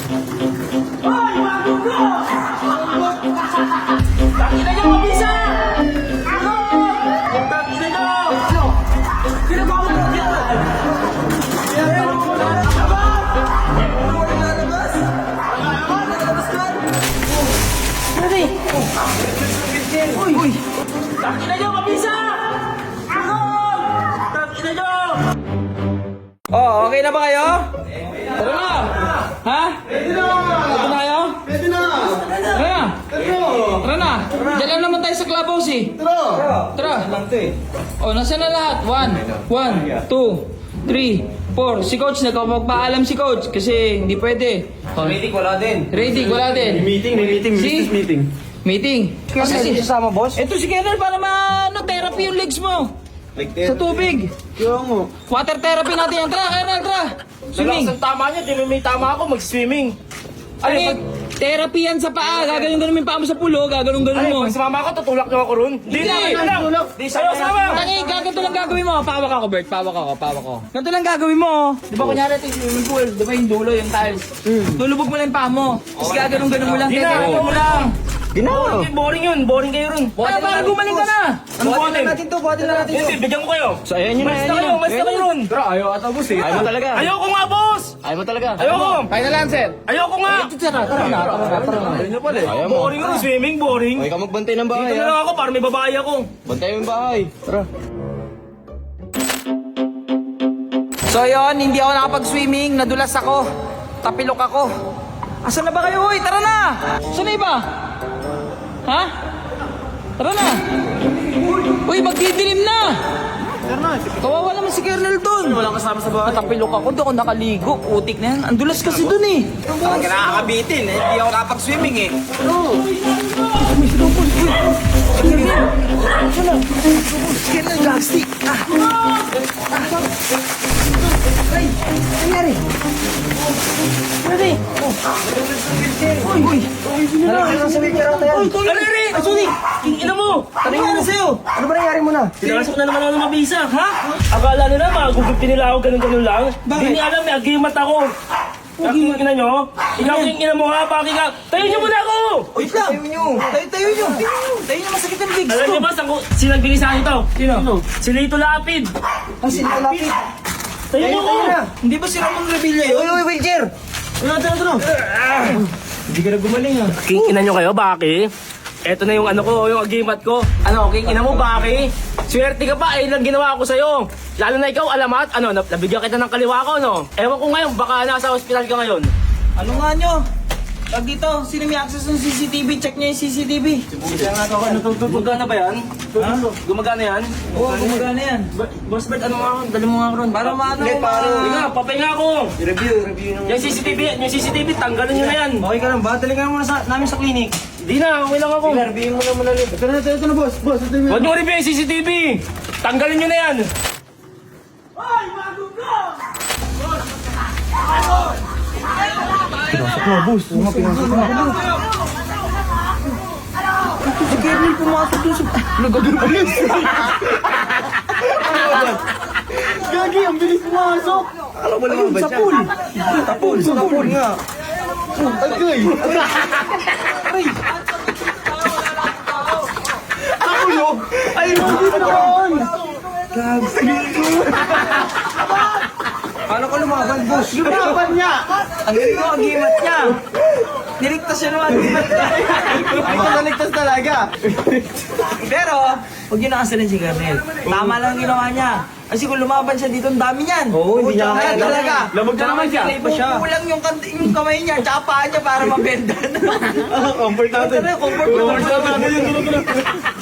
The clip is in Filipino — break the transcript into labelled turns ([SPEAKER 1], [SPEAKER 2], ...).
[SPEAKER 1] Hoy, magugo! Tangina niyo, mabisa! Ako! Tangina niyo! Ginagawa mo na yan! Uy! Tangina niyo, mabisa! Ako! Tangina niyo!
[SPEAKER 2] Oh, okay na ba kayo? Tara na! Ha? Pwede na! Ito na kayo?
[SPEAKER 3] Pwede na!
[SPEAKER 2] Tara na! Tara na! Diyan lang naman tayo sa clubhouse eh. Tara! Oh, nasa na lahat? 1, 2, 3, 4. Si coach, nagpapagpaalam si coach kasi hindi pwede. Oh,
[SPEAKER 3] Meeting wala din.
[SPEAKER 2] rating, wala din.
[SPEAKER 3] Meeting,
[SPEAKER 2] Si?
[SPEAKER 3] business meeting.
[SPEAKER 2] Meeting. Kasi si
[SPEAKER 3] Kasama boss?
[SPEAKER 2] ito si Kennel para therapy yung legs mo.
[SPEAKER 3] Like
[SPEAKER 2] Sa tubig.
[SPEAKER 3] Kaya mo.
[SPEAKER 2] Water therapy natin yan. Tara, Kennel, tara. Swimming.
[SPEAKER 1] Ang tama niya, di may tama ako, mag-swimming.
[SPEAKER 2] Ano therapy yan sa paa. Gaganong-ganon mo yung paa mo sa pulo. Gaganong-ganon mo.
[SPEAKER 1] Pag sumama ako, tutulak niyo ako ron. Di na,
[SPEAKER 2] Hindi.
[SPEAKER 1] ano lang. Di sa'yo, sama.
[SPEAKER 2] Tangi, ganito lang gagawin mo. Pawak ako, Bert. Pawak ako. Ganito lang gagawin mo. Di ba kunyari ito yung swimming pool? Di ba yung dulo, yung tiles? Lulubog mo lang yung paa mo. Tapos gaganong-ganon mo lang.
[SPEAKER 1] Di na,
[SPEAKER 2] Therapy
[SPEAKER 1] ano
[SPEAKER 2] mo lang.
[SPEAKER 1] Boring yun, boring kayo ron.
[SPEAKER 2] Ay, para gumaling ka na.
[SPEAKER 1] Ano boring?
[SPEAKER 3] Buhatin na natin
[SPEAKER 1] Hindi, bigyan ko kayo.
[SPEAKER 3] So, ayan yun na,
[SPEAKER 1] Mas na kayo, mas na kayo ron.
[SPEAKER 3] Pero ayaw ata boss eh. Ayaw mo talaga.
[SPEAKER 1] Ayoko nga, boss!
[SPEAKER 3] Ayaw mo talaga.
[SPEAKER 1] Ayoko!
[SPEAKER 2] Kaya na lang, sir.
[SPEAKER 1] Ayoko nga!
[SPEAKER 2] Tara na.
[SPEAKER 3] Ayaw nyo pala eh. Ayaw mo.
[SPEAKER 1] Boring yun, swimming, boring.
[SPEAKER 3] Okay ka magbantay ng bahay
[SPEAKER 1] Dito na lang ako para may babae ako.
[SPEAKER 3] Bantay yung bahay. Tara.
[SPEAKER 2] So yon, hindi ako nakapag-swimming, nadulas ako. Tapilok ako. Asan na ba kayo? Uy, tara na! Saan na iba? Ha? Tara na! Uy, magdidilim na! Kawawa naman si Kernel dun. Wala kasama sa bahay. Natapilok ako, doon ako nakaligo. Putik na yan. Andulas kasi dun eh.
[SPEAKER 3] Parang kinakakabitin eh. Hindi ako nakapag-swimming eh.
[SPEAKER 2] Kernel, gagsti! Ay, nangyari? Nangyari? Uy!
[SPEAKER 3] Nalagyan sa wheelchair ako tayo.
[SPEAKER 1] Aliri! Asuni! King ina mo!
[SPEAKER 2] Ano nangyari sa'yo?
[SPEAKER 3] Ano ba nangyari mo na?
[SPEAKER 1] Pinasok na naman ako ng mabisa. Ha? Akala nila magugupin nila ako ganun-ganun lang.
[SPEAKER 2] Bakit?
[SPEAKER 1] Hindi alam, may agimat ako. Aking ina nyo? Ikaw yung ina mo ha, paki ka. Tayo nyo muna ako!
[SPEAKER 2] Wait lang! Tayo nyo! Tayo nyo, masakit ang legs
[SPEAKER 1] Alam
[SPEAKER 2] ko!
[SPEAKER 1] nyo ba, sino nagbigay sa akin ito? Sino? Si Lito Lapid.
[SPEAKER 2] Kasi lapit!
[SPEAKER 1] Tayo nyo ko!
[SPEAKER 2] Hindi ba si Ramon Revilla yun? Uy, wheelchair! Ano?
[SPEAKER 3] Hindi ka na gumaling ah.
[SPEAKER 1] King ina nyo kayo, Baki? Eto na yung ano ko, yung agimat ko. Ano, king ina mo, Baki? Swerte ka pa, lang ginawa ko sa'yo. Lalo na ikaw, alamat, ano, nabigyan kita ng kaliwa ko, no? Ewan ko ngayon, baka nasa ospital ka ngayon.
[SPEAKER 2] Ano nga nyo? Pag dito, sino may access ng CCTV? Check nyo yung CCTV.
[SPEAKER 1] Gumagana ba yan? Ha? Gumagana yan?
[SPEAKER 2] Oo, gumagana yan.
[SPEAKER 1] Boss Bert, ano nga, dali mo nga ron.
[SPEAKER 2] Para maano
[SPEAKER 3] Hindi,
[SPEAKER 2] ko
[SPEAKER 1] Hindi nga, papahinga ako.
[SPEAKER 3] Review nung...
[SPEAKER 1] Yung CCTV, tanggalin nyo na yan.
[SPEAKER 2] Okay ka lang ba? Talaga muna namin sa clinic.
[SPEAKER 1] Di na, okay lang ako.
[SPEAKER 3] Review mo na muna ulit. Ito na boss. Boss, ito na.
[SPEAKER 1] Huwag nyo review yung CCTV. Tanggalin nyo na yan.
[SPEAKER 2] Si Kernel pumasok doon sa... Nagkadulis!
[SPEAKER 3] Gagi, ang bilis pumasok. Alam mo naman ba siya? Tapul nga. Agay. Tapulog. Ay, hindi naman.
[SPEAKER 2] Paano ko lumaban, boss?
[SPEAKER 3] Lumaban niya.
[SPEAKER 2] Ang galing ko, ang gimat niya. Niligtas siya naman, gimat niya.
[SPEAKER 3] Ay, naligtas talaga.
[SPEAKER 2] Pero, huwag yun nakasalin si Kernel. Tama lang ang ginawa niya. Kasi kung lumaban siya dito, ang dami niyan.
[SPEAKER 3] Oo, hindi niya
[SPEAKER 2] Kaya
[SPEAKER 3] kaya.
[SPEAKER 2] talaga.
[SPEAKER 3] Lamog na naman siya.
[SPEAKER 2] Kulang yung kamay niya, tsaka paa niya para mabendan.
[SPEAKER 3] Comfort natin.
[SPEAKER 2] Comfort natin.
[SPEAKER 3] Comfort natin.